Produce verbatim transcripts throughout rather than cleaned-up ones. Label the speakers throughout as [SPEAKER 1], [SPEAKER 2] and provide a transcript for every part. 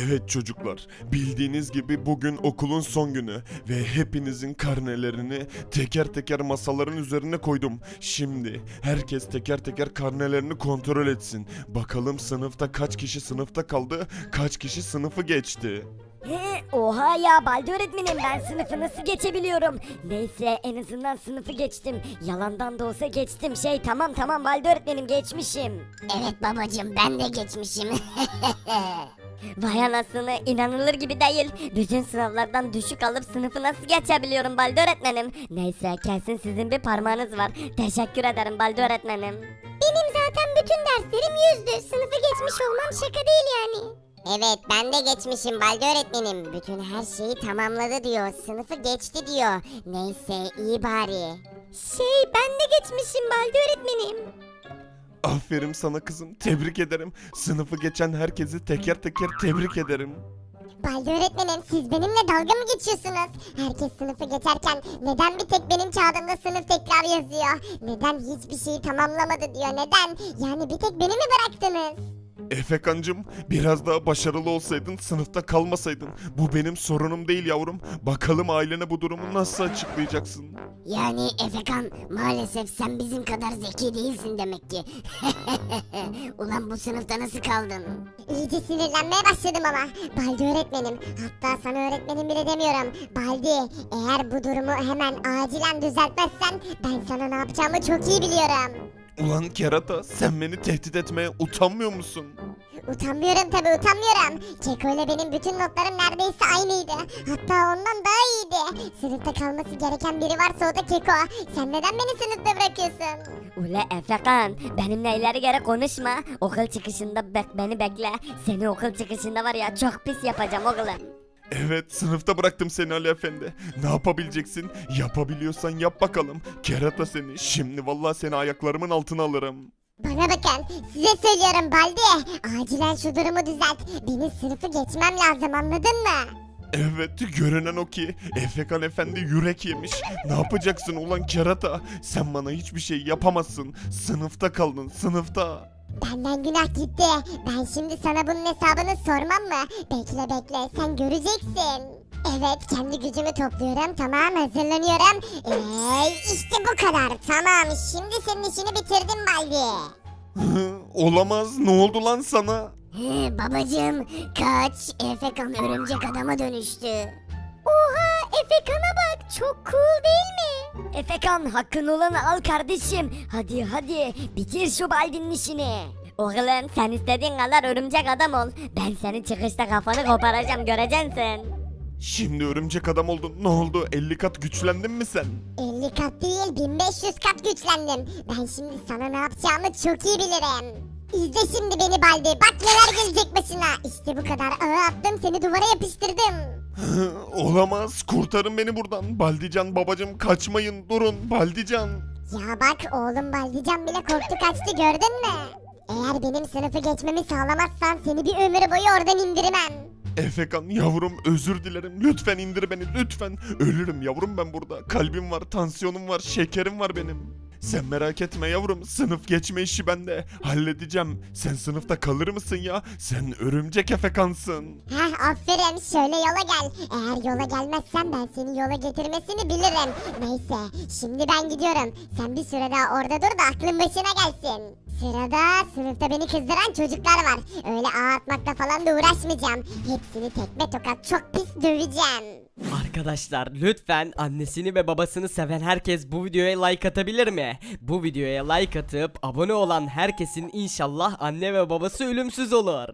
[SPEAKER 1] Evet çocuklar, bildiğiniz gibi bugün okulun son günü ve hepinizin karnelerini teker teker masaların üzerine koydum. Şimdi herkes teker teker karnelerini kontrol etsin. Bakalım sınıfta kaç kişi sınıfta kaldı, kaç kişi sınıfı geçti.
[SPEAKER 2] He, oha ya Baldi öğretmenim, ben sınıfı nasıl geçebiliyorum? Neyse, en azından sınıfı geçtim. Yalandan da olsa geçtim. Şey tamam tamam Baldi öğretmenim, geçmişim.
[SPEAKER 3] Evet babacığım, ben de geçmişim.
[SPEAKER 2] Vay anasını, inanılır gibi değil. Bütün sınavlardan düşük alıp sınıfı nasıl geçebiliyorum Baldi öğretmenim? Neyse, kesin sizin bir parmağınız var. Teşekkür ederim Baldi öğretmenim.
[SPEAKER 3] Benim zaten bütün derslerim yüzdü. Sınıfı geçmiş olmam şaka değil yani. Evet, ben de geçmişim Baldi öğretmenim. Bütün her şeyi tamamladı diyor. Sınıfı geçti diyor. Neyse, iyi bari. Şey, ben de geçmişim Baldi öğretmenim.
[SPEAKER 1] Aferin sana kızım, tebrik ederim. Sınıfı geçen herkesi teker teker tebrik ederim.
[SPEAKER 3] Baldi öğretmenim, siz benimle dalga mı geçiyorsunuz? Herkes sınıfı geçerken neden bir tek benim kağıdımda sınıf tekrar yazıyor? Neden hiçbir şeyi tamamlamadı diyor, neden? Yani bir tek beni mi bıraktınız?
[SPEAKER 1] Efekancım, biraz daha başarılı olsaydın, sınıfta kalmasaydın. Bu benim sorunum değil yavrum. Bakalım ailene bu durumu nasıl açıklayacaksın?
[SPEAKER 3] Yani Efekan, maalesef sen bizim kadar zeki değilsin demek ki. Ulan bu sınıfta nasıl kaldın? İyice sinirlenmeye başladım ama. Baldi öğretmenim, hatta sana öğretmenim bile demiyorum. Baldi, eğer bu durumu hemen acilen düzeltmezsen ben sana ne yapacağımı çok iyi biliyorum.
[SPEAKER 1] Ulan kerata, sen beni tehdit etmeye utanmıyor musun?
[SPEAKER 3] Utanmıyorum tabi, utanmıyorum. Keko ile benim bütün notlarım neredeyse aynıydı. Hatta ondan daha iyiydi. Sınıfta kalması gereken biri varsa o da Keko. Sen neden beni sınıfta bırakıyorsun?
[SPEAKER 2] Ule Efekan, benimle ileri geri konuşma. Okul çıkışında bek beni bekle. Seni okul çıkışında var ya, çok pis yapacağım oğlum.
[SPEAKER 1] Evet, sınıfta bıraktım seni Ali Efendi. Ne yapabileceksin? Yapabiliyorsan yap bakalım. Kerata seni. Şimdi vallahi seni ayaklarımın altına alırım.
[SPEAKER 3] Bana bakın, size söylüyorum Baldi. Acilen şu durumu düzelt. Benim sınıfı geçmem lazım, anladın mı?
[SPEAKER 1] Evet, görünen o ki Efekan Efendi yürek yemiş. Ne yapacaksın ulan kerata? Sen bana hiçbir şey yapamazsın. Sınıfta kaldın, sınıfta.
[SPEAKER 3] Benden günah gitti. Ben şimdi sana bunun hesabını sormam mı? Bekle bekle, sen göreceksin. Evet, kendi gücümü topluyorum. Tamam, hazırlanıyorum. Eee işte bu kadar. Tamam, şimdi senin işini bitirdim Baldi.
[SPEAKER 1] Olamaz, ne oldu lan sana?
[SPEAKER 3] He, babacığım, kaç. Efekan örümcek adama dönüştü. Oha, Efekan'a bak, çok cool değil mi?
[SPEAKER 2] Efekan, hakkın olanı al kardeşim. Hadi hadi, bitir şu Baldi'nin işini. Oğlum, sen istediğin kadar örümcek adam ol. Ben senin çıkışta kafanı koparacağım, göreceksin sen.
[SPEAKER 1] Şimdi örümcek adam oldun. Ne oldu? elli kat güçlendin mi sen?
[SPEAKER 3] elli kat değil, bin beş yüz kat güçlendim. Ben şimdi sana ne yapacağımı çok iyi bilirim. İzle şimdi beni Baldi. Bak neler gelecek başına. İşte bu kadar. Ağa attım, seni duvara yapıştırdım.
[SPEAKER 1] Olamaz. Kurtarın beni buradan. Baldican babacım, kaçmayın. Durun Baldican.
[SPEAKER 3] Ya bak, oğlum Baldican bile korktu kaçtı, gördün mü? Eğer benim sınıfı geçmemi sağlamazsan seni bir ömür boyu oradan indirmem.
[SPEAKER 1] Efekan yavrum, özür dilerim. Lütfen indir beni, lütfen. Ölürüm yavrum ben burada. Kalbim var, tansiyonum var, şekerim var benim. Sen merak etme yavrum. Sınıf geçme işi bende. Halledeceğim. Sen sınıfta kalır mısın ya? Sen örümcek Efekansın.
[SPEAKER 3] Heh, aferin, şöyle yola gel. Eğer yola gelmezsen ben seni yola getirmesini bilirim. Neyse, şimdi ben gidiyorum. Sen bir süre daha orada dur da aklın başına gelsin. Sırada sınıfta beni kızdıran çocuklar var. Öyle ağ atmakla falan da uğraşmayacağım. Hepsini tekme tokat çok pis döveceğim.
[SPEAKER 4] Arkadaşlar lütfen annesini ve babasını seven herkes bu videoya like atabilir mi? Bu videoya like atıp abone olan herkesin inşallah anne ve babası ölümsüz olur.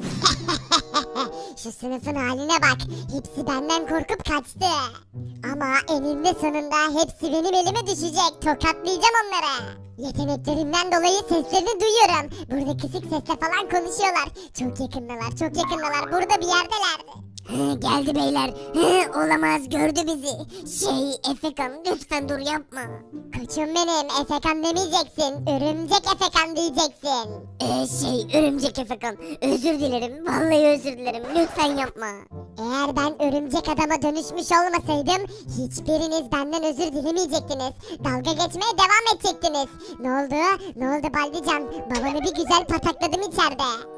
[SPEAKER 3] Şu sınıfın haline bak. Hepsi benden korkup kaçtı. Ama eninde sonunda hepsi benim elime düşecek. Tokatlayacağım onları. Yeteneklerimden dolayı seslerini duyuyorum. Burada kısık sesle falan konuşuyorlar. Çok yakındalar, çok yakındalar. Burada bir yerdeler. Geldi beyler. Olamaz, gördü bizi. Şey, Efekan lütfen dur, yapma. Koçum benim, Efekan demeyeceksin. Örümcek Efekan diyeceksin. Ee, şey, örümcek Efekan. Özür dilerim. Vallahi özür dilerim. Lütfen yapma. Eğer ben örümcek adama dönüşmüş olmasaydım hiçbiriniz benden özür dilemeyecektiniz. Dalga geçmeye devam edecektiniz. Ne oldu? Ne oldu Baldican? Babanı bir güzel patakladım içeride.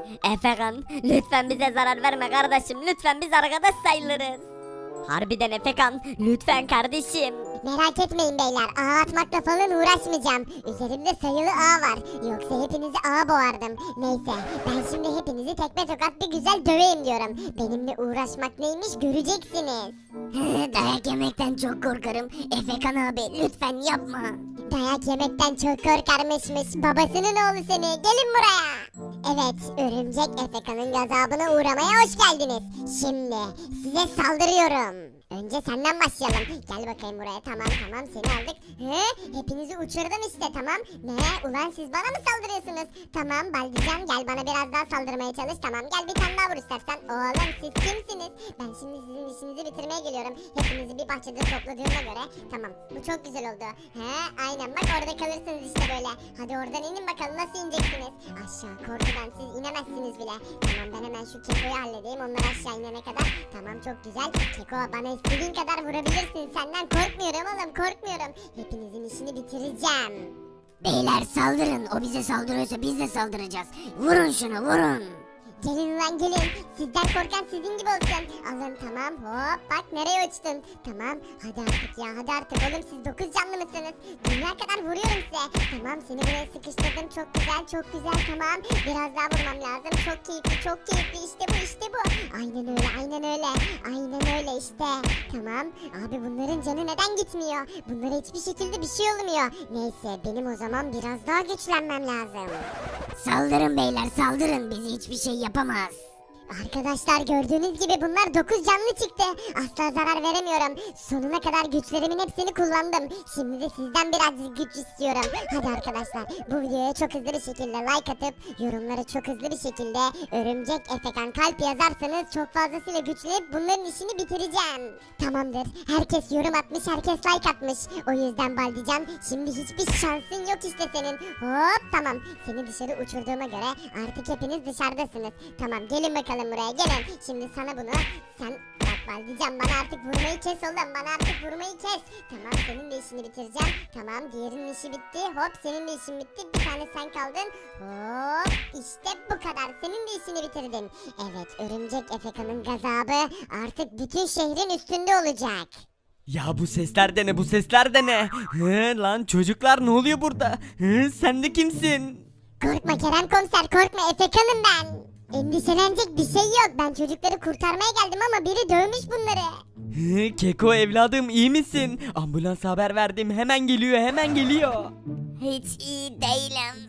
[SPEAKER 2] Efekan lütfen bize zarar verme kardeşim. Lütfen biz arkadaş sayılırız. Harbiden Efekan lütfen kardeşim.
[SPEAKER 3] Merak etmeyin beyler, ağ atmakla falan uğraşmayacağım. Üzerimde sayılı ağ var. Yoksa hepinizi ağa boğardım. Neyse, ben şimdi hepinizi tekme tokat bir güzel döveyim diyorum. Benimle uğraşmak neymiş göreceksiniz.
[SPEAKER 2] Dayak yemekten çok korkarım. Efekan abi lütfen yapma.
[SPEAKER 3] Dayak yemekten çok korkarmışmış. Babasının oğlu seni. Gelin buraya. Evet, örümcek Efekan'ın gazabına uğramaya hoş geldiniz. Şimdi size saldırıyorum. Önce senden başlayalım. Gel bakayım buraya. Tamam tamam seni aldık. He? Hepinizi uçurdum işte tamam. Ne? Ulan siz bana mı saldırıyorsunuz? Tamam Baldican gel bana biraz daha saldırmaya çalış. Tamam gel bir tane daha vur istersen. Oğlum siz kimsiniz? Ben şimdi sizin işinizi bitirmeye geliyorum. Hepinizi bir bahçede topladığıma göre. Tamam bu çok güzel oldu. He? Aynen bak orada kalırsınız işte böyle. Hadi oradan inin bakalım nasıl ineceksiniz? Aşağı korkudan siz inemezsiniz bile. Tamam ben hemen şu Keko'yu halledeyim. Onlar aşağı inene kadar. Tamam çok güzel. Keko bana istediğin kadar vurabilirsin. Senden korkmuyorum oğlum korkmuyorum. Hepinizin işini bitireceğim.
[SPEAKER 2] Beyler saldırın. O bize saldırıyorsa biz de saldıracağız. Vurun şunu vurun.
[SPEAKER 3] Gelin lan gelin. Sizden korkan sizin gibi olsun. Alın tamam hop bak nereye uçtun. Tamam hadi artık ya hadi artık oğlum siz dokuz canlı mısınız? Dünya kadar vuruyorum size. Tamam seni buraya sıkıştırdım çok güzel çok güzel tamam. Biraz daha vurmam lazım çok keyifli çok keyifli işte bu işte bu. Aynen öyle aynen öyle. Aynen öyle işte. Tamam abi bunların canı neden gitmiyor? Bunlara hiçbir şekilde bir şey olmuyor. Neyse benim o zaman biraz daha güçlenmem lazım.
[SPEAKER 2] Saldırın beyler saldırın. Bizi hiçbir şey yapamaz.
[SPEAKER 3] Arkadaşlar gördüğünüz gibi bunlar dokuz canlı çıktı. Asla zarar veremiyorum. Sonuna kadar güçlerimin hepsini kullandım. Şimdi de sizden birazcık güç istiyorum. Hadi arkadaşlar bu videoya çok hızlı bir şekilde like atıp yorumlara çok hızlı bir şekilde örümcek Efekan kalp yazarsanız çok fazlasıyla güçlenip bunların işini bitireceğim. Tamamdır. Herkes yorum atmış, herkes like atmış. O yüzden Baldican şimdi hiçbir şansın yok işte senin. Hop tamam. Seni dışarı uçurduğuma göre artık hepiniz dışarıdasınız. Tamam gelin bakalım buraya gelin. Şimdi sana bunu sen bak Baldican bana artık vurmayı kes oğlum. Bana artık vurmayı kes. Tamam senin de işini bitireceğim. Tamam diğerinin işi bitti. Hop senin de işin bitti. Bir tane sen kaldın. Hop işte bu kadar. Senin de işini bitirdin. Evet örümcek Efekan'ın gazabı artık bütün şehrin üstünde olacak.
[SPEAKER 4] Ya bu sesler de ne bu sesler de ne? Hı, lan çocuklar ne oluyor burada? Hı, sen de kimsin?
[SPEAKER 3] Korkma Kerem komiser korkma Efekan'ım ben. Endişelenecek bir şey yok. Ben çocukları kurtarmaya geldim ama biri dövmüş bunları.
[SPEAKER 4] Hı, Keko evladım iyi misin? Ambulans haber verdim hemen geliyor hemen geliyor.
[SPEAKER 2] Hiç iyi değilim.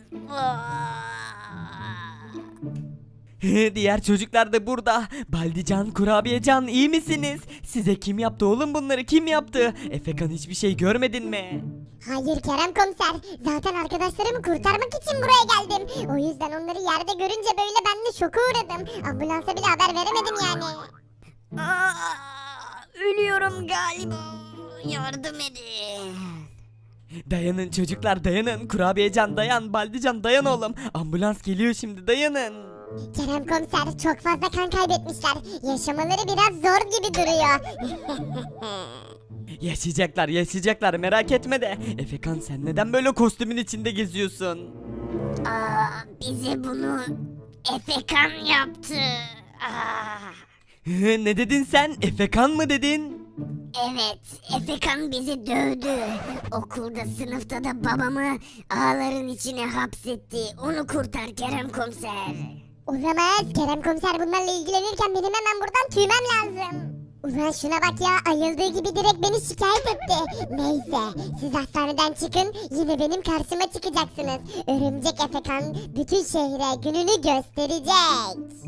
[SPEAKER 4] Hı, diğer çocuklar da burada. Baldican, Kurabiyecan iyi misiniz? Size kim yaptı oğlum bunları kim yaptı? Efekan hiçbir şey görmedin mi?
[SPEAKER 3] Hayır Kerem komiser. Zaten arkadaşlarımı kurtarmak için buraya geldim. O yüzden onları yerde görünce böyle ben de şoka uğradım. Ambulansa bile haber veremedim yani.
[SPEAKER 2] Aa, ölüyorum galiba. Yardım edin.
[SPEAKER 4] Dayanın çocuklar dayanın. Kurabiyecan dayan. Baldican dayan oğlum. Ambulans geliyor şimdi dayanın.
[SPEAKER 3] Kerem komiser çok fazla kan kaybetmişler. Yaşamaları biraz zor gibi duruyor.
[SPEAKER 4] Yaşayacaklar yaşayacaklar merak etme de. Efekan sen neden böyle kostümün içinde geziyorsun?
[SPEAKER 2] Aa, bize bunu Efekan yaptı. Aa.
[SPEAKER 4] Hı, ne dedin sen? Efekan mı dedin?
[SPEAKER 2] Evet, Efekan bizi dövdü. Okulda, sınıfta da babamı ağların içine hapsetti. Onu kurtar Kerem komiser.
[SPEAKER 3] Olamaz. Kerem komiser bunlarla ilgilenirken benim hemen buradan tüymem lazım. Ulan şuna bak ya ayıldığı gibi direkt beni şikayet etti. Neyse siz hastaneden çıkın yine benim karşıma çıkacaksınız. Örümcek Efekan bütün şehre gününü gösterecek.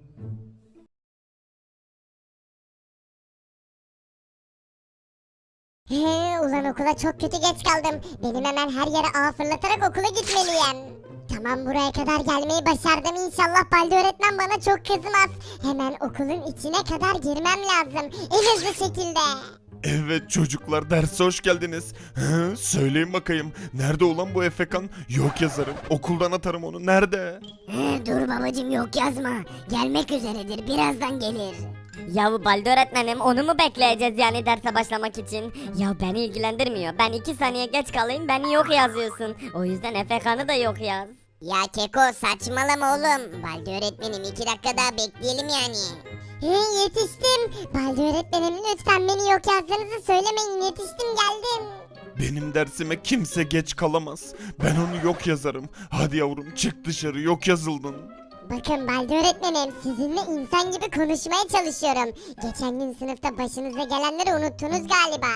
[SPEAKER 3] He, ulan okula çok kötü geç kaldım. Benim hemen her yere ağ fırlatarak okula gitmeliyim. Tamam buraya kadar gelmeyi başardım. İnşallah Baldi öğretmen bana çok kızmaz. Hemen okulun içine kadar girmem lazım. En hızlı şekilde.
[SPEAKER 1] Evet çocuklar derse hoş geldiniz. Hı, söyleyin bakayım. Nerede olan bu Efekan? Yok yazarım. Okuldan atarım onu. Nerede?
[SPEAKER 2] Dur babacım yok yazma. Gelmek üzeredir birazdan gelir. Ya bu Baldi öğretmenim onu mu bekleyeceğiz yani derse başlamak için? Ya beni ilgilendirmiyor. Ben iki saniye geç kalayım beni yok yazıyorsun. O yüzden Efekan'ı da yok yaz.
[SPEAKER 3] Ya Keko saçmalama oğlum. Baldi öğretmenim iki dakika daha bekleyelim yani. He yetiştim. Baldi öğretmenim lütfen beni yok yazdığınızı söylemeyin. Yetiştim geldim.
[SPEAKER 1] Benim dersime kimse geç kalamaz. Ben onu yok yazarım. Hadi yavrum çık dışarı, yok yazıldın.
[SPEAKER 3] Bakın Baldi öğretmenim sizinle insan gibi konuşmaya çalışıyorum. Geçen gün sınıfta başınıza gelenleri unuttunuz galiba.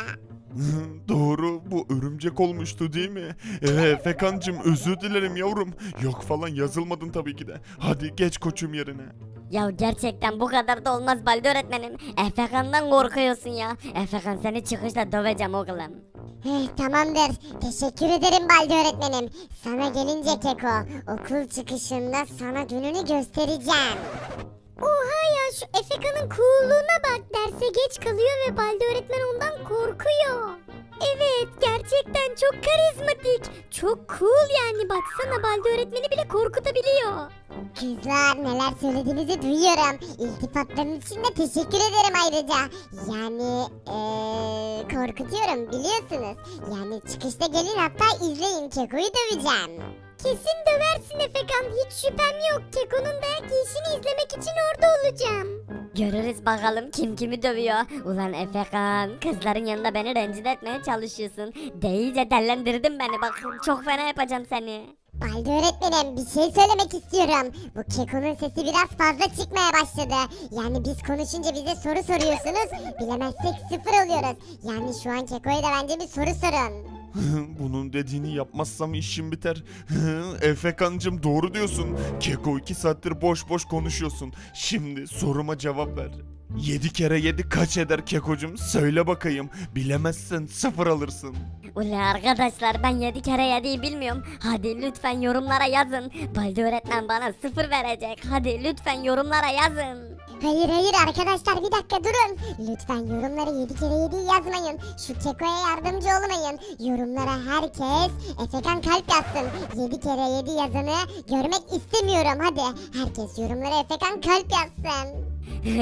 [SPEAKER 1] Doğru, bu örümcek olmuştu değil mi? Ee, Efekancım özür dilerim yavrum. Yok falan yazılmadın tabii ki de. Hadi geç koçum yerine.
[SPEAKER 2] Ya gerçekten bu kadar da olmaz Baldi öğretmenim. Efekan'dan korkuyorsun ya. Efekan seni çıkışta döveceğim oğlum.
[SPEAKER 3] Heh, tamamdır. Teşekkür ederim Baldi öğretmenim. Sana gelince Keko, okul çıkışında sana gününü göstereceğim. Oha ya şu Efeka'nın coolluğuna bak. Derse geç kalıyor ve Baldi öğretmen ondan korkuyor.
[SPEAKER 2] Evet gerçekten çok karizmatik. Çok cool yani baksana Baldi öğretmeni bile korkutabiliyor.
[SPEAKER 3] Kızlar neler söylediğinizi duyuyorum. İltifatlarınız için de teşekkür ederim ayrıca. Yani eee, korkutuyorum biliyorsunuz. Yani çıkışta gelin hatta izleyin Keko'yu döveceğim. Kesin döversin Efekan hiç şüphem yok. Keko'nun dayak yiyişini izlemek için orada olacağım.
[SPEAKER 2] Görürüz bakalım kim kimi dövüyor. Ulan Efekan kızların yanında beni rencide etmeye çalışıyorsun. Değice dellendirdin beni bak çok fena yapacağım seni.
[SPEAKER 3] Baldi öğretmenim bir şey söylemek istiyorum. Bu Keko'nun sesi biraz fazla çıkmaya başladı. Yani biz konuşunca bize soru soruyorsunuz. Bilemezsek sıfır oluyoruz. Yani şu an Keko'ya da bence bir soru sorun.
[SPEAKER 1] Bunun dediğini yapmazsam işim biter. Efekancım doğru diyorsun. Keko iki saattir boş boş konuşuyorsun. Şimdi soruma cevap ver. Yedi kere yedi kaç eder Kekocum? Söyle bakayım. Bilemezsen sıfır alırsın.
[SPEAKER 2] Ula arkadaşlar ben yedi kere yediyi bilmiyorum. Hadi lütfen yorumlara yazın. Baldi öğretmen bana sıfır verecek. Hadi lütfen yorumlara yazın.
[SPEAKER 3] Hayır hayır arkadaşlar bir dakika durun. Lütfen yorumlara yedi kere yediyi yazmayın. Şu Keko'ya yardımcı olmayın. Yorumlara herkes Efekan kalp yazsın. yedi kere yedi yazanı görmek istemiyorum hadi. Herkes yorumlara Efekan kalp yazsın.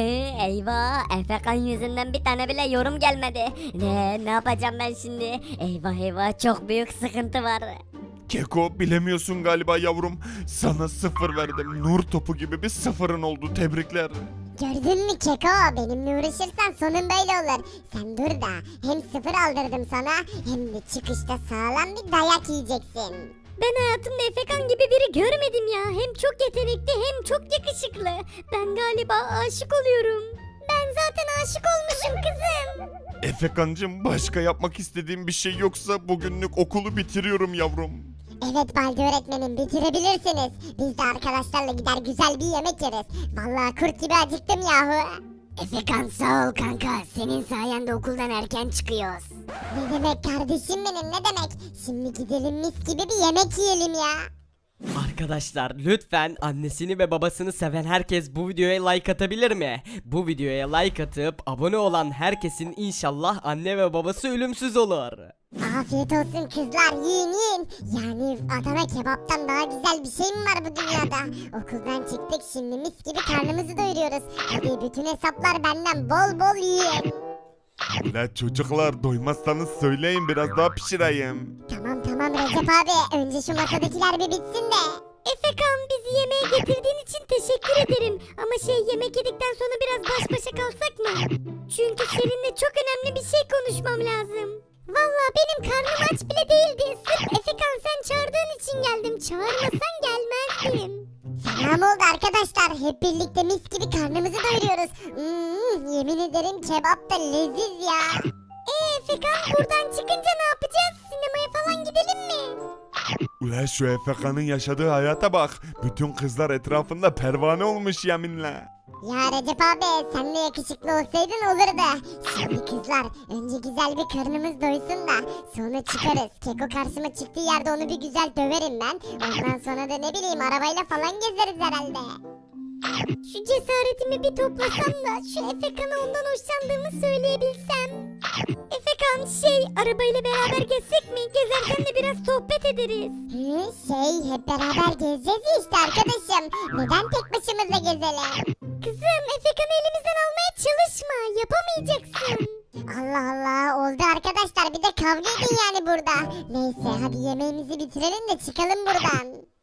[SPEAKER 2] Eyvah Efekan yüzünden bir tane bile yorum gelmedi. Ne ne yapacağım ben şimdi? Eyvah eyvah çok büyük sıkıntı var.
[SPEAKER 1] Keko bilemiyorsun galiba yavrum. Sana sıfır verdim. Nur topu gibi bir sıfırın oldu. Tebrikler.
[SPEAKER 3] Gördün mü Keko? Benimle uğraşırsan sonun böyle olur. Sen dur da hem sıfır aldırdım sana hem de çıkışta sağlam bir dayak yiyeceksin.
[SPEAKER 2] Ben hayatımda Efekan gibi biri görmedim ya. Hem çok yetenekli hem çok yakışıklı. Ben galiba aşık oluyorum. Ben zaten aşık olmuşum kızım.
[SPEAKER 1] Efekancım başka yapmak istediğim bir şey yoksa bugünlük okulu bitiriyorum yavrum.
[SPEAKER 3] Evet Baldi öğretmenim bitirebilirsiniz. Biz de arkadaşlarla gider güzel bir yemek yeriz. Vallahi kurt gibi acıktım yahu. Efekan sağ ol kanka. Senin sayende okuldan erken çıkıyoruz. Ne demek kardeşim benim ne demek. Şimdi gidelim mis gibi bir yemek yiyelim ya.
[SPEAKER 4] Arkadaşlar lütfen annesini ve babasını seven herkes bu videoya like atabilir mi? Bu videoya like atıp abone olan herkesin inşallah anne ve babası ölümsüz olur.
[SPEAKER 3] Afiyet olsun kızlar yiyin yiyin. Yani Adana kebaptan daha güzel bir şey mi var bu dünyada? Okuldan çıktık şimdi mis gibi karnımızı doyuruyoruz. Hadi bütün hesaplar benden bol bol yiyin.
[SPEAKER 1] La çocuklar doymazsanız söyleyin biraz daha pişireyim.
[SPEAKER 3] Tamam tamam Recep abi önce şu masadakiler bir bitsin de.
[SPEAKER 2] Efekan bizi yemeğe getirdiğin için teşekkür ederim. Ama şey yemek yedikten sonra biraz baş başa kalsak mı? Çünkü seninle çok önemli bir şey konuşmam lazım.
[SPEAKER 3] Vallahi benim karnım aç bile değildi. Sırf Efekan sen çağırdığın için geldim. Çağırmasan gelmezdim. Selam oldu arkadaşlar. Hep birlikte mis gibi karnımızı doyuruyoruz. Hmm, yemin ederim kebap da leziz ya. Eee Efekan buradan çıkınca ne yapacağız? Sinemaya falan gidelim mi?
[SPEAKER 1] Ulan şu Efeka'nın yaşadığı hayata bak. Bütün kızlar etrafında pervane olmuş yeminle.
[SPEAKER 3] Ya Recep abi sen de yakışıklı olsaydın olurdu. Şimdi kızlar önce güzel bir karnımız doysun da sonra çıkarız. Keko karşıma çıktığı yerde onu bir güzel döverim ben. Ondan sonra da ne bileyim arabayla falan gezeriz herhalde. Şu cesaretimi bir toplasam da şu Efekan'a ondan hoşlandığımı söyleyebilsem. Efekan şey arabayla beraber gezsek mi? Gezerken de biraz sohbet ederiz. Hı, şey hep beraber gezeceğiz ya işte arkadaşım. Neden tek başımıza gezelim? Kızım Efekan'ı elimizden almaya çalışma. Yapamayacaksın. Allah Allah oldu arkadaşlar bir de kavga edin yani burada. Neyse hadi yemeğimizi bitirelim de çıkalım buradan.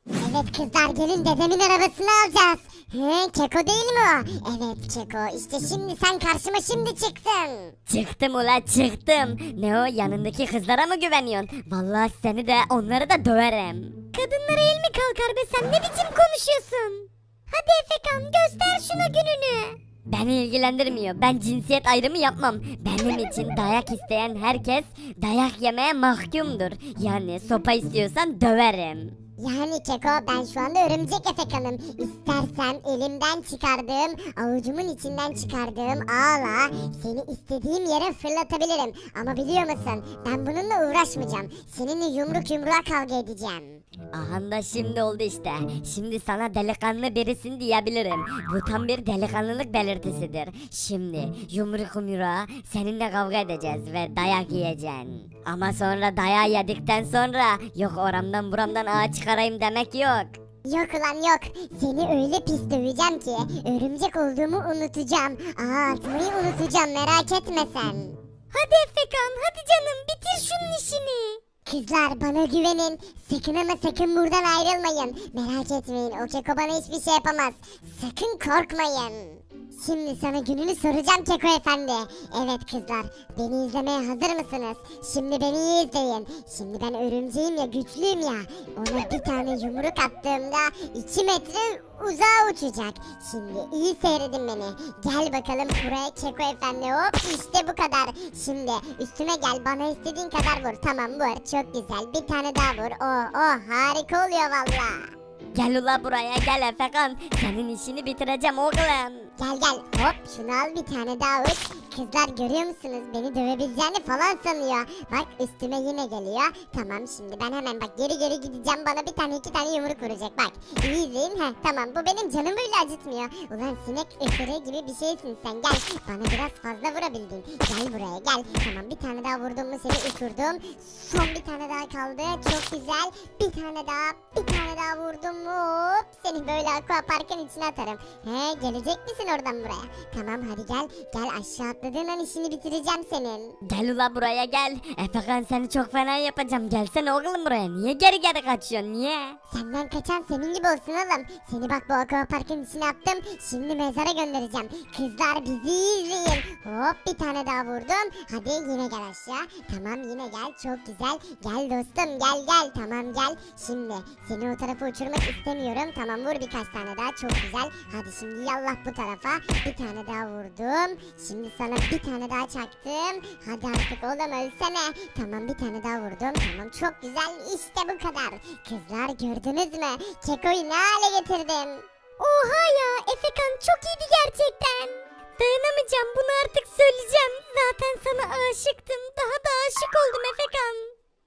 [SPEAKER 3] Evet kızlar gelin dedemin arabasını alacağız. He Keko değil mi o? Evet Keko işte şimdi sen karşıma şimdi çıktın.
[SPEAKER 2] Çıktım ula çıktım. Ne o yanındaki kızlara mı güveniyorsun? Vallahi seni de onları da döverim. Kadınlara el mi kalkar be sen ne biçim konuşuyorsun? Hadi Efekan göster şuna gününü. Beni ilgilendirmiyor. Ben cinsiyet ayrımı yapmam. Benim için dayak isteyen herkes dayak yemeye mahkumdur. Yani sopa istiyorsan döverim.
[SPEAKER 3] Yani Keko ben şu anda örümcek efekanım. İstersen elimden çıkardığım, avucumun içinden çıkardığım ağla seni istediğim yere fırlatabilirim. Ama biliyor musun ben bununla uğraşmayacağım. Seninle yumruk yumruğa kavga edeceğim.
[SPEAKER 2] Aha da şimdi oldu işte. Şimdi sana delikanlı birisin diyebilirim. Bu tam bir delikanlılık belirtisidir. Şimdi yumruk yumruğa seninle kavga edeceğiz ve dayak yiyeceksin. Ama sonra dayağı yedikten sonra yok oramdan buramdan ağa çıkarayım demek yok.
[SPEAKER 3] Yok ulan yok. Seni öyle pis döveceğim ki örümcek olduğumu unutacağım. Aa atmayı unutacağım merak etme sen.
[SPEAKER 2] Hadi Efekan hadi canım bitir şunun işini.
[SPEAKER 3] Kızlar bana güvenin. Sakın ama sakın buradan ayrılmayın. Merak etmeyin o Keko bana hiçbir şey yapamaz. Sakın korkmayın. Şimdi sana gününü soracağım Keko Efendi. Evet kızlar beni izlemeye hazır mısınız? Şimdi beni iyi izleyin. Şimdi ben örümceğim ya güçlüyüm ya. Ona bir tane yumruk attığımda iki metre uzağa uçacak. Şimdi iyi seyredin beni. Gel bakalım buraya Keko Efendi hop işte bu kadar. Şimdi üstüme gel bana istediğin kadar vur. Tamam vur çok güzel bir tane daha vur. Oh oh harika oluyor valla.
[SPEAKER 2] Gel ula buraya gel Efekan. Senin işini bitireceğim oğlum.
[SPEAKER 3] Gel gel hop şunu al bir tane daha uç. Kızlar görüyor musunuz beni dövebileceğini falan sanıyor. Bak üstüme yine geliyor. Tamam şimdi ben hemen bak geri geri gideceğim bana bir tane iki tane yumruk vuracak bak. İyi izleyin heh tamam bu benim canımı bile acıtmıyor. Ulan sinek ısırığı gibi bir şeysin sen gel. Bana biraz fazla vurabildin. Gel buraya gel. Tamam bir tane daha vurdum mu seni uçurdum. Son bir tane daha kaldı çok güzel. Bir tane daha bir tane daha vurdum mu hop seni böyle aqua parkın içine atarım. He gelecek misin oradan buraya? Tamam hadi gel. Gel aşağı atladığın an işini bitireceğim senin.
[SPEAKER 2] Gel ula buraya gel. Efekan seni çok fena yapacağım. Gelsene oğlum buraya. Niye geri geri kaçıyorsun niye?
[SPEAKER 3] Senden kaçan senin gibi olsun oğlum. Seni bak bu aqua parkın içine attım. Şimdi mezara göndereceğim. Kızlar bizi iyi izleyin. Hop bir tane daha vurdum. Hadi yine gel aşağı. Tamam yine gel. Çok güzel. Gel dostum gel gel. Tamam gel. Şimdi seni o tarafa uçurmak istemiyorum. Tamam vur birkaç tane daha. Çok güzel. Hadi şimdi yallah bu tarafa. Bir tane daha vurdum. Şimdi sana bir tane daha çaktım. Hadi artık oğlum ölsene. Tamam bir tane daha vurdum. Tamam çok güzel. İşte bu kadar. Kızlar gördünüz mü? Keko'yu ne hale getirdim?
[SPEAKER 2] Oha ya Efekan çok iyiydi gerçekten. Dayanamayacağım bunu artık söyleyeceğim. Zaten sana aşıktım. Daha da aşık oldum Efekan.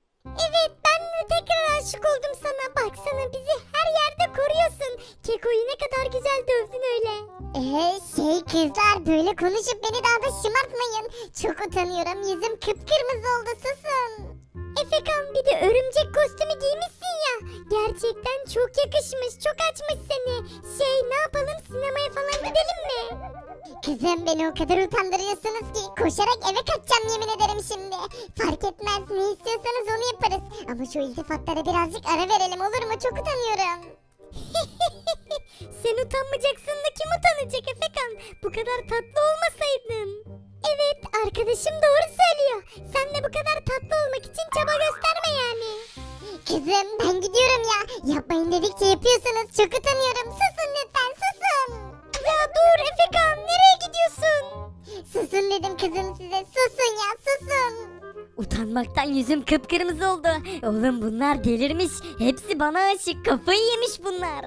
[SPEAKER 2] Evet ben de tekrar aşık oldum sana. Baksana bizi her yerde koruyorsun. Keko'yu ne kadar güzel dövdün öyle.
[SPEAKER 3] Ee, şey kızlar böyle konuşup beni daha da şımartmayın. Çok utanıyorum. Yüzüm kıpkırmızı oldu susun.
[SPEAKER 2] Efekan bir de örümcek kostümü giymişsin ya. Gerçekten çok yakışmış. Çok açmış seni. Şey ne yapalım sinemaya falan gidelim mi?
[SPEAKER 3] Kızım beni o kadar utandırıyorsunuz ki koşarak eve kaçacağım yemin ederim şimdi. Fark etmez ne istiyorsanız onu yaparız. Ama şu iltifatlara birazcık ara verelim olur mu? Çok utanıyorum.
[SPEAKER 2] Sen utanmayacaksın da kim utanacak Efekan? Bu kadar tatlı olmasaydın. Evet arkadaşım doğru söylüyor. Sen de bu kadar tatlı olmak için çaba gösterme yani.
[SPEAKER 3] Kızım ben gidiyorum ya. Yapmayın dedikçe yapıyorsunuz. Çok utanıyorum. Susun lütfen susun.
[SPEAKER 2] Ya dur Efekan nereye gidiyorsun?
[SPEAKER 3] Susun dedim kızım size. Susun ya susun.
[SPEAKER 2] Utanmaktan yüzüm kıpkırmızı oldu. Oğlum bunlar delirmiş. Hepsi bana aşık. Kafayı yemiş bunlar.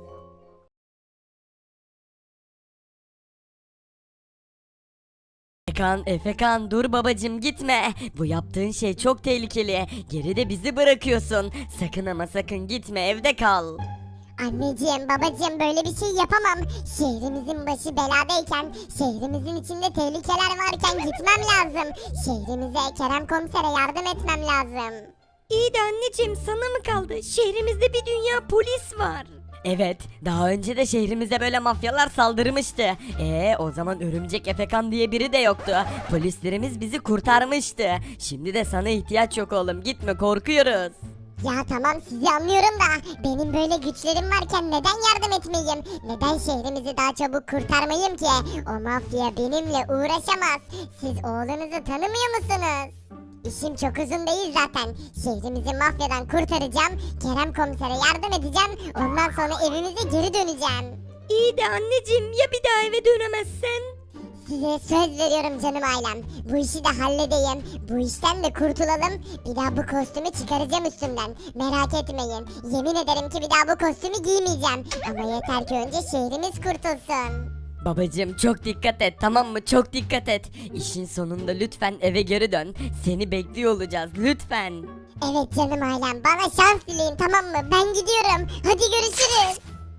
[SPEAKER 4] Efekan, Efekan dur babacım gitme. Bu yaptığın şey çok tehlikeli. Geride bizi bırakıyorsun. Sakın ama sakın gitme evde kal.
[SPEAKER 3] Anneciğim babacığım böyle bir şey yapamam. Şehrimizin başı beladayken, şehrimizin içinde tehlikeler varken gitmem lazım. Şehrimize Kerem komisere yardım etmem lazım.
[SPEAKER 2] İyi de anneciğim sana mı kaldı? Şehrimizde bir dünya polis var.
[SPEAKER 4] Evet, daha önce de şehrimize böyle mafyalar saldırmıştı. Ee, o zaman Örümcek Efekan diye biri de yoktu. Polislerimiz bizi kurtarmıştı. Şimdi de sana ihtiyaç yok oğlum. Gitme korkuyoruz.
[SPEAKER 3] Ya tamam sizi anlıyorum da benim böyle güçlerim varken neden yardım etmeyeyim? Neden şehrimizi daha çabuk kurtarmayayım ki? O mafya benimle uğraşamaz. Siz oğlunuzu tanımıyor musunuz? İşim çok uzun değil zaten. Şehrimizi mafyadan kurtaracağım. Kerem komisere yardım edeceğim. Ondan sonra evimize geri döneceğim.
[SPEAKER 2] İyi de anneciğim ya bir daha eve dönemezsen?
[SPEAKER 3] Size söz veriyorum canım ailem. Bu işi de halledeyim. Bu işten de kurtulalım. Bir daha bu kostümü çıkaracağım üstümden. Merak etmeyin. Yemin ederim ki bir daha bu kostümü giymeyeceğim. Ama yeter ki önce şehrimiz kurtulsun.
[SPEAKER 2] Babacığım çok dikkat et, tamam mı? Çok dikkat et. İşin sonunda lütfen eve geri dön. Seni bekliyor olacağız lütfen.
[SPEAKER 3] Evet canım ailem. Bana şans dileyin, tamam mı? Ben gidiyorum. Hadi görüşürüz.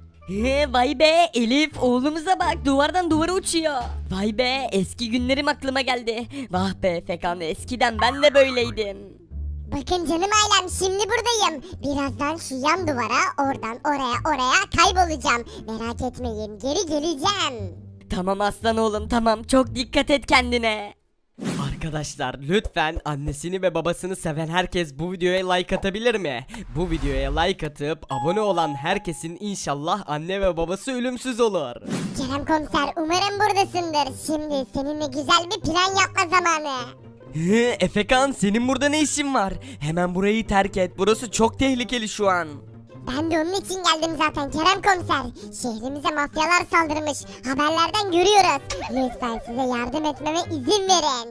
[SPEAKER 2] He, vay be Elif, oğlumuza bak, duvardan duvara uçuyor. Vay be, eski günlerim aklıma geldi. Vah be Fekan, eskiden ben de böyleydim.
[SPEAKER 3] Bakın canım ailem, şimdi buradayım. Birazdan şu yan duvara, oradan oraya oraya kaybolacağım. Merak etmeyin, geri geleceğim.
[SPEAKER 2] Tamam aslan oğlum, tamam, çok dikkat et kendine.
[SPEAKER 4] Arkadaşlar lütfen annesini ve babasını seven herkes bu videoya like atabilir mi? Bu videoya like atıp abone olan herkesin inşallah anne ve babası ölümsüz olur.
[SPEAKER 3] Kerem komiser, umarım buradasındır. Şimdi seninle güzel bir plan yapma zamanı.
[SPEAKER 4] Hı, Efekan senin burada ne işin var? Hemen burayı terk et. Burası çok tehlikeli şu an.
[SPEAKER 3] Ben de onun için geldim zaten Kerem komiser. Şehrimize mafyalar saldırmış. Haberlerden görüyoruz. Lütfen size yardım etmeme izin verin.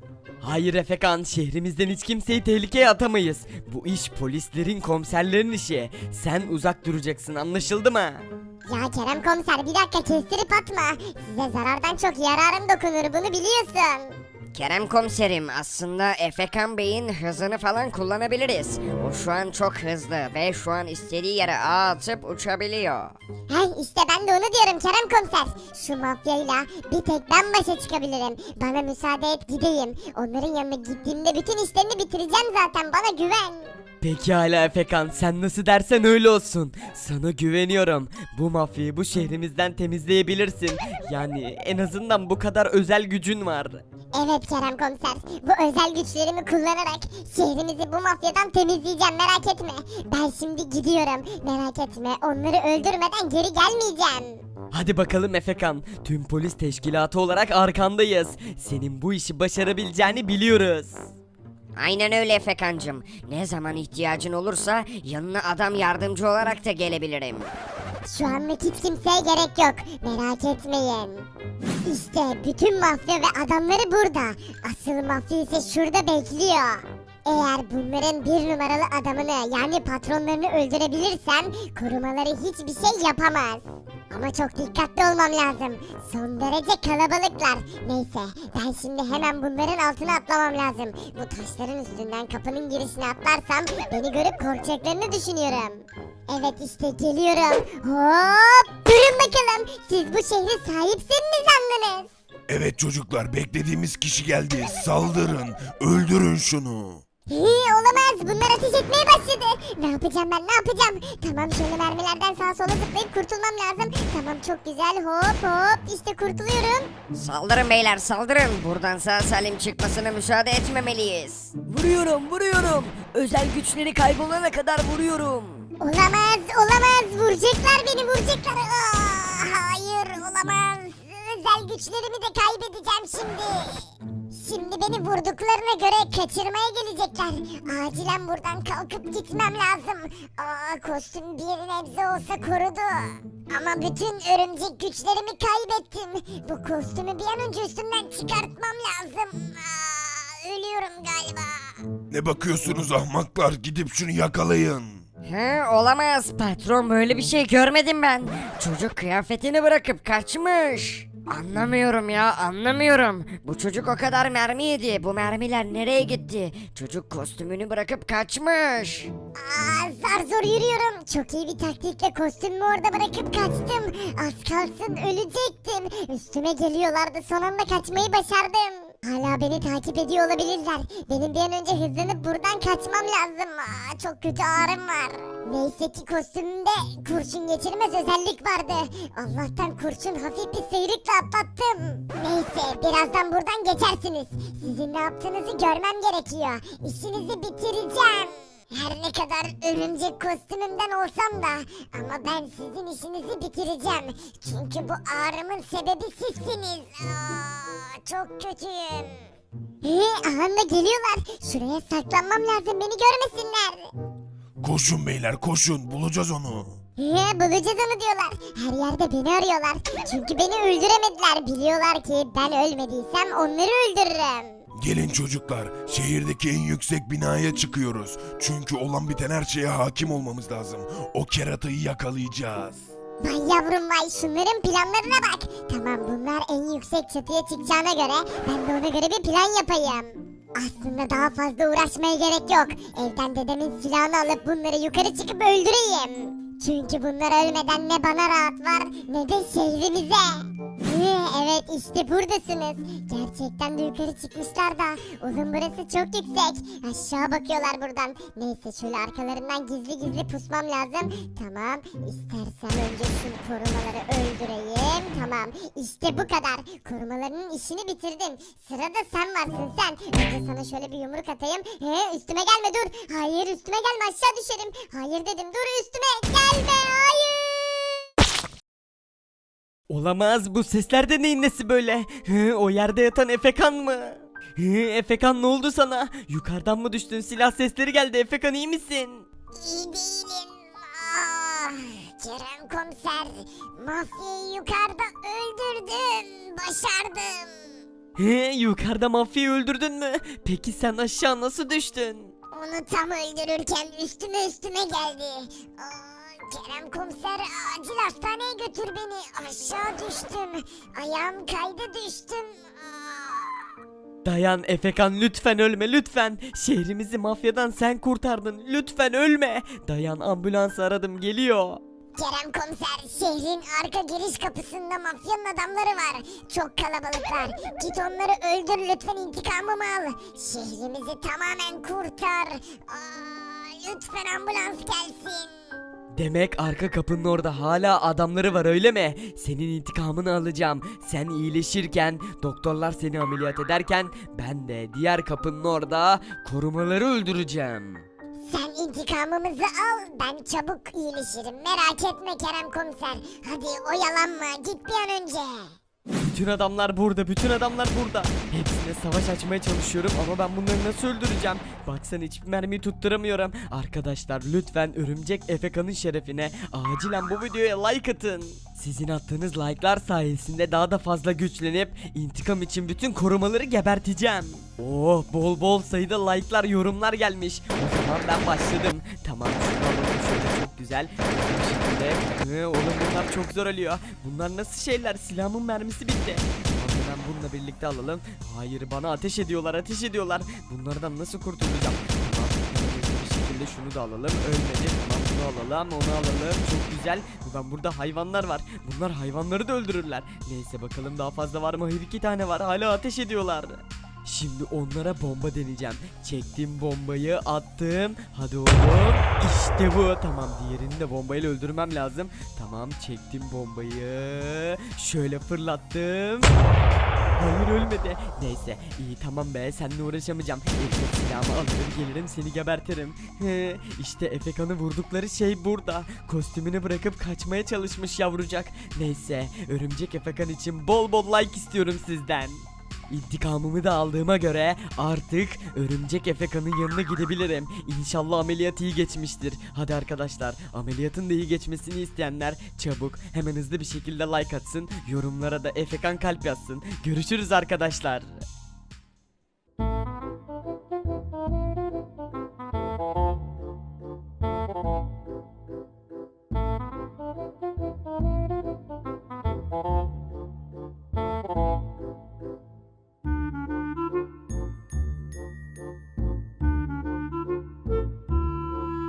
[SPEAKER 4] Hayır Efekan, şehrimizden hiç kimseyi tehlikeye atamayız. Bu iş polislerin, komiserlerin işi. Sen uzak duracaksın, anlaşıldı mı?
[SPEAKER 3] Ya Kerem komiser, bir dakika, kestirip atma. Size zarardan çok yararım dokunur, bunu biliyorsun.
[SPEAKER 5] Kerem komiserim, aslında Efekan Bey'in hızını falan kullanabiliriz. O şu an çok hızlı ve şu an istediği yere ağ atıp uçabiliyor.
[SPEAKER 3] Hey, işte ben de onu diyorum Kerem komiser. Şu mafyayla bir tek ben başa çıkabilirim. Bana müsaade et gideyim. Onların yanına gittiğimde bütün işlerini bitireceğim zaten, bana güven.
[SPEAKER 4] Pekala Efekan, sen nasıl dersen öyle olsun. Sana güveniyorum. Bu mafyayı bu şehrimizden temizleyebilirsin. Yani en azından bu kadar özel gücün var.
[SPEAKER 3] Evet Kerem komiser, bu özel güçlerimi kullanarak şehrimizi bu mafyadan temizleyeceğim, merak etme. Ben şimdi gidiyorum, merak etme, onları öldürmeden geri gelmeyeceğim.
[SPEAKER 4] Hadi bakalım Efekan, tüm polis teşkilatı olarak arkandayız. Senin bu işi başarabileceğini biliyoruz.
[SPEAKER 5] Aynen öyle Efekancım. Ne zaman ihtiyacın olursa yanına adam yardımcı olarak da gelebilirim.
[SPEAKER 3] Şu anlık hiç kimseye gerek yok, merak etmeyin. İşte bütün mafya ve adamları burada. Asıl mafya ise şurada bekliyor. Eğer bunların bir numaralı adamını, yani patronlarını öldürebilirsem korumaları hiçbir şey yapamaz. Ama çok dikkatli olmam lazım. Son derece kalabalıklar. Neyse, ben şimdi hemen bunların altına atlamam lazım. Bu taşların üstünden kapının girişine atlarsam beni görüp korkacaklarını düşünüyorum. Evet, işte geliyorum. Hop! Durun bakalım. Siz bu şehre sahipsiniz mi sandınız?
[SPEAKER 1] Evet çocuklar, beklediğimiz kişi geldi. Saldırın, öldürün şunu.
[SPEAKER 3] Hii, olamaz, bunlar ateş etmeye başladı. Ne yapacağım ben, ne yapacağım? Tamam, şöyle mermilerden sağa sola zıplayıp kurtulmam lazım. Tamam, çok güzel, hop hop, işte kurtuluyorum.
[SPEAKER 5] Saldırın beyler, saldırın. Buradan sağ salim çıkmasına müsaade etmemeliyiz.
[SPEAKER 2] Vuruyorum, vuruyorum. Özel güçleri kaybolana kadar vuruyorum.
[SPEAKER 3] Olamaz, olamaz, vuracaklar beni, vuracaklar. Aa, hayır, olamaz. Özel güçlerimi de kaybedeceğim şimdi. Şimdi beni vurduklarına göre kaçırmaya gelecekler. Acilen buradan kalkıp gitmem lazım. Aa, kostüm bir nebze olsa korudu. Ama bütün örümcek güçlerimi kaybettim. Bu kostümü bir an önce üstümden çıkartmam lazım. Aa, ölüyorum galiba.
[SPEAKER 1] Ne bakıyorsunuz ahmaklar, gidip şunu yakalayın.
[SPEAKER 5] He, olamaz. Patron, böyle bir şey görmedim ben. Çocuk kıyafetini bırakıp kaçmış. Anlamıyorum ya, anlamıyorum. Bu çocuk o kadar mermi yedi. Bu mermiler nereye gitti? Çocuk kostümünü bırakıp kaçmış.
[SPEAKER 3] Aa, zar zor yürüyorum. Çok iyi bir taktikle kostümümü orada bırakıp kaçtım. Az kalsın ölecektim. Üstüme geliyorlardı. Son anda kaçmayı başardım. Hala beni takip ediyor olabilirler. Benim bir an önce hızlanıp buradan kaçmam lazım. Aa, çok kötü ağrım var. Neyse ki kostümümde kurşun geçirmez özellik vardı. Allah'tan kurşun hafif bir sıyrıkla atlattım. Neyse, birazdan buradan geçersiniz. Sizin ne yaptığınızı görmem gerekiyor. İşinizi bitireceğim. Her ne kadar örümcek kostümümden olsam da ama ben sizin işinizi bitireceğim. Çünkü bu ağrımın sebebi sizsiniz. Aa, çok kötüyüm. He, anda geliyorlar. Şuraya saklanmam lazım, beni görmesinler.
[SPEAKER 1] Koşun beyler koşun bulacağız onu.
[SPEAKER 3] He, bulacağız onu diyorlar. Her yerde beni arıyorlar. Çünkü beni öldüremediler. Biliyorlar ki ben ölmediysem onları öldürürüm.
[SPEAKER 1] Gelin çocuklar, şehirdeki en yüksek binaya çıkıyoruz. Çünkü olan biten her şeye hakim olmamız lazım. O keratayı yakalayacağız.
[SPEAKER 3] Vay yavrum vay, şunların planlarına bak. Tamam, bunlar en yüksek çatıya çıkacağına göre ben de ona göre bir plan yapayım. Aslında daha fazla uğraşmaya gerek yok. Evden dedemin silahını alıp bunları yukarı çıkıp öldüreyim. Çünkü bunlar ölmeden ne bana rahat var ne de şehrimize. Hı, evet işte buradasınız. Gerçekten de yukarı çıkmışlar da. Oğlum burası çok yüksek. Aşağı bakıyorlar buradan. Neyse şöyle arkalarından gizli gizli pusmam lazım. Tamam. İstersen önce şu korumaları öldüreyim. Tamam. İşte bu kadar. Korumalarının işini bitirdin. Sırada sen varsın sen. Önce sana şöyle bir yumruk atayım. He, üstüme gelme dur. Hayır üstüme gelme, aşağı düşerim. Hayır dedim, dur üstüme gelme. Hayır.
[SPEAKER 4] Olamaz, bu sesler de neyin nesi böyle? Hı, o yerde yatan Efekan mı? Hı, Efekan ne oldu sana? Yukarıdan mı düştün? Silah sesleri geldi. Efekan iyi misin?
[SPEAKER 3] İyi değilim. Ah, Kerem komiser, mafyayı yukarıda öldürdüm. Başardım.
[SPEAKER 4] He, yukarıda mafyayı öldürdün mü? Peki sen aşağı nasıl düştün?
[SPEAKER 3] Onu tam öldürürken üstüme üstüme geldi. Aa, Kerem komiser, acil hastaneye götür beni. Aşağı düştüm. Ayağım kaydı, düştüm. Aa.
[SPEAKER 4] Dayan Efekan, lütfen ölme lütfen. Şehrimizi mafyadan sen kurtardın. Lütfen ölme. Dayan, ambulans aradım, geliyor.
[SPEAKER 3] Kerem komiser, şehrin arka giriş kapısında mafyanın adamları var. Çok kalabalıklar. Git onları öldür lütfen, intikamımı al. Şehrimizi tamamen kurtar. Aa, lütfen ambulans gelsin.
[SPEAKER 4] Demek arka kapının orada hala adamları var öyle mi? Senin intikamını alacağım. Sen iyileşirken, doktorlar seni ameliyat ederken ben de diğer kapının orada korumaları öldüreceğim.
[SPEAKER 3] Sen intikamımızı al, ben çabuk iyileşirim. Merak etme Kerem komiser. Hadi oyalanma, git bir an önce.
[SPEAKER 4] Bütün adamlar burada, bütün adamlar burada. Hepsine savaş açmaya çalışıyorum ama ben bunları nasıl öldüreceğim? Baksana hiçbir mermiyi tutturamıyorum. Arkadaşlar lütfen Örümcek Efekan'ın şerefine acilen bu videoya like atın. Sizin attığınız like'lar sayesinde daha da fazla güçlenip intikam için bütün korumaları geberteceğim. Oh, bol bol sayıda like'lar, yorumlar gelmiş. O zaman ben başladım. Tamam, şunu alalım şöyle, çok güzel. Bu şekilde. Hı, oğlum bunlar çok zor ölüyor. Bunlar nasıl şeyler? Silahımın mermisi bitti. Tamam, hemen bununla birlikte alalım. Hayır, bana ateş ediyorlar, ateş ediyorlar. Bunlardan nasıl kurtulacağım? Tamam, hemen bir şekilde şunu da alalım. Ölmedi. Tamam, bunu alalım, onu alalım. Çok güzel. Ulan burada hayvanlar var. Bunlar hayvanları da öldürürler. Neyse bakalım daha fazla var mı? Hayır, iki tane var. Hala ateş ediyorlar. Şimdi onlara bomba deneyeceğim. Çektim bombayı, attım. Hadi oğlum. İşte bu. Tamam, diğerini de bombayla öldürmem lazım. Tamam, çektim bombayı. Şöyle fırlattım. Hayır, ölmedi. Neyse iyi, tamam be, seninle uğraşamayacağım. Elime silahımı alırım, gelirim, seni gebertirim. He, işte Efekan'ı vurdukları şey burada. Kostümünü bırakıp kaçmaya çalışmış yavrucak. Neyse, Örümcek Efekan için bol bol like istiyorum sizden. İntikamımı da aldığıma göre artık Örümcek Efekan'ın yanına gidebilirim. İnşallah ameliyat iyi geçmiştir. Hadi arkadaşlar, ameliyatın da iyi geçmesini isteyenler çabuk hemen hızlı bir şekilde like atsın. Yorumlara da Efekan kalp yazsın. Görüşürüz arkadaşlar.